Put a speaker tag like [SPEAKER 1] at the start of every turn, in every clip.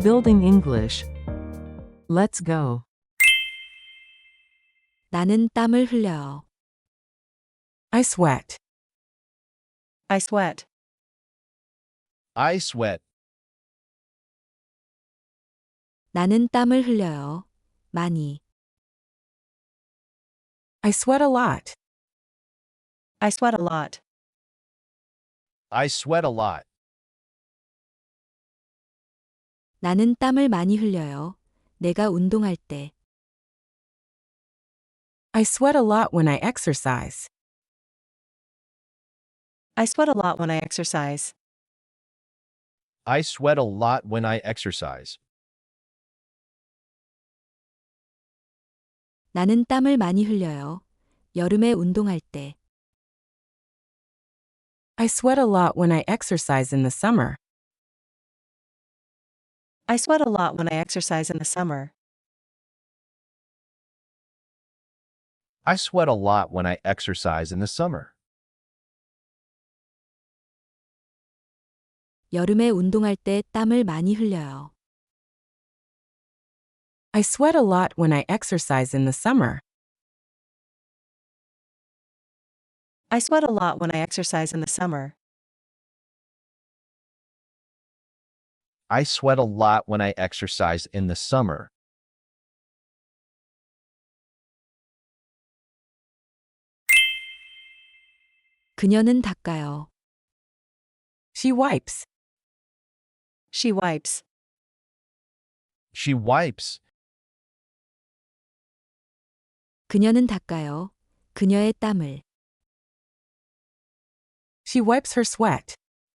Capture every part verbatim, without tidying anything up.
[SPEAKER 1] Building English. Let's go.
[SPEAKER 2] 나는 땀을 흘려요.
[SPEAKER 1] I sweat.
[SPEAKER 3] I sweat.
[SPEAKER 4] I sweat.
[SPEAKER 2] 나는 땀을 흘려요. 많이.
[SPEAKER 1] I sweat a lot.
[SPEAKER 3] I sweat a lot.
[SPEAKER 4] I sweat a lot.
[SPEAKER 2] 나는 땀을 많이 흘려요. 내가 운동할 때.
[SPEAKER 1] I sweat a lot when I exercise.
[SPEAKER 3] I sweat a lot when I exercise.
[SPEAKER 4] I sweat a lot when I exercise.
[SPEAKER 2] 나는 땀을 많이 흘려요. 여름에 운동할 때.
[SPEAKER 1] I sweat a lot when I exercise in the summer.
[SPEAKER 3] I sweat a lot when I exercise in the summer.
[SPEAKER 4] I sweat a lot when I exercise in the summer.
[SPEAKER 2] 여름에 운동할 때 땀을 많이 흘려요.
[SPEAKER 1] I sweat a lot when I exercise in the summer.
[SPEAKER 3] I sweat a lot when I exercise in the summer.
[SPEAKER 4] I sweat a lot when I exercise in the summer.
[SPEAKER 2] 그녀는 닦아요.
[SPEAKER 1] She wipes.
[SPEAKER 3] She wipes.
[SPEAKER 4] She wipes.
[SPEAKER 2] 그녀는 닦아요. 그녀의 땀을.
[SPEAKER 1] She wipes her sweat.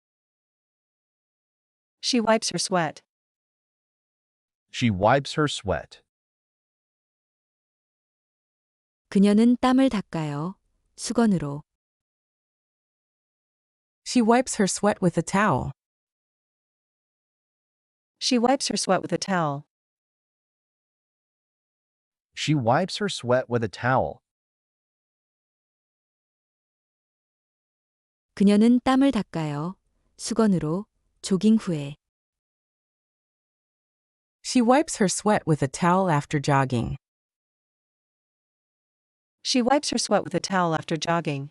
[SPEAKER 3] She wipes her sweat.
[SPEAKER 4] She wipes her sweat.
[SPEAKER 2] 그녀는 땀을 닦아요. 수건으로.
[SPEAKER 1] She wipes her sweat with a towel.
[SPEAKER 3] She wipes her sweat with a towel.
[SPEAKER 4] She wipes her sweat with a towel.
[SPEAKER 2] 그녀는 땀을 닦아요. 수건으로. 조깅 후에.
[SPEAKER 1] She wipes her sweat with a towel after jogging.
[SPEAKER 3] She wipes her sweat with a towel after jogging.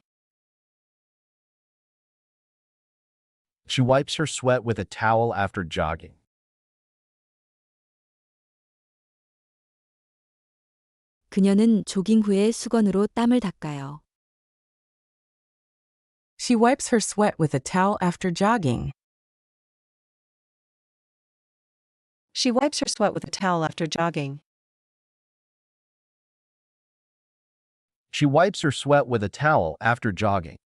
[SPEAKER 4] She wipes her sweat with a towel after jogging.
[SPEAKER 2] 그녀는 조깅 후에 수건으로 땀을 닦아요.
[SPEAKER 1] She wipes her sweat with a towel after jogging.
[SPEAKER 3] She wipes her sweat with a towel after jogging.
[SPEAKER 4] She wipes her sweat with a towel after jogging.